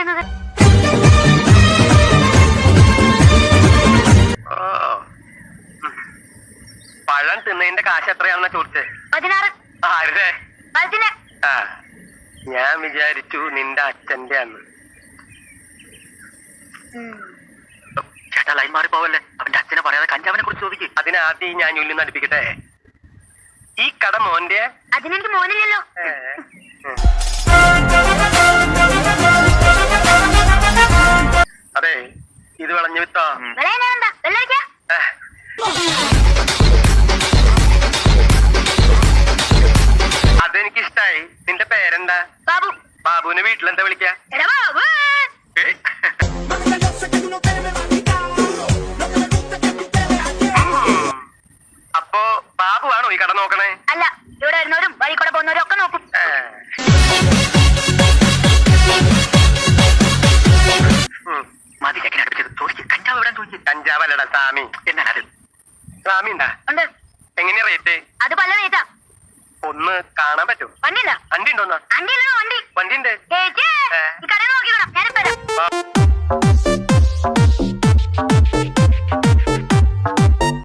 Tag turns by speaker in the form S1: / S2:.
S1: ചോദിക്കുന്നത്?
S2: പഴം തിന്നതിന്റെ കാശ് എത്രയാണെന്നാ ചോദിച്ചേ?
S1: 16.
S2: ആരുടെ?
S1: അതിന്
S2: ആ, ഞാൻ വിചാരിച്ചു നിന്റെ അച്ഛന്റെ അന്ന്. ചേട്ടാ ലൈൻ മാറി പോവല്ലേ. അവന്റെ അച്ഛനെ പറയാതെ കഞ്ചാവിനെ കുറിച്ച് ചോദിക്കും. അതിനാദ്യം ഞാൻ ഉള്ളിൽ അടുപ്പിക്കട്ടെ. ഈ കട മോന്റെ?
S1: അതിനെനിക്ക് മോനില്ലല്ലോ.
S2: അതെ, ഇത് വിളഞ്ഞു വിത്തോ? അതെനിക്കിഷ്ടായി. നിന്റെ പേരെന്താ?
S1: ബാബു.
S2: ബാബുവിനെ വീട്ടിലെന്താ വിളിക്കാ? അപ്പോ ബാബുവാണോ ഈ കട നോക്കണേ?
S1: അല്ല, ഇവിടെ വരുന്നവരും വഴി കൂടെ പോകുന്നവരും ഒക്കെ നോക്കും.
S2: മതി ചെക്കനെ അടുപ്പിച്ചത്. ചോദിച്ചു കഞ്ചാവ് എവിടെ ചോദിച്ചു? കഞ്ചാവല്ലടാ സാമി. എന്നാണ് സാമി ഉണ്ടാ?
S1: ഉണ്ട്.
S2: എങ്ങനെയാ റേറ്റ്?
S1: അത് പല റേറ്റാ.
S2: ഒന്ന് കാണാൻ പറ്റും?
S1: വണ്ടിയില്ല.
S2: വണ്ടി ഉണ്ടോന്നാ?
S1: വണ്ടി ഉണ്ടോ? വണ്ടി
S2: വണ്ടി ഉണ്ട്.
S1: ഈ കടയിൽ നോക്കിക്കണം. ഞാനിപ്പോ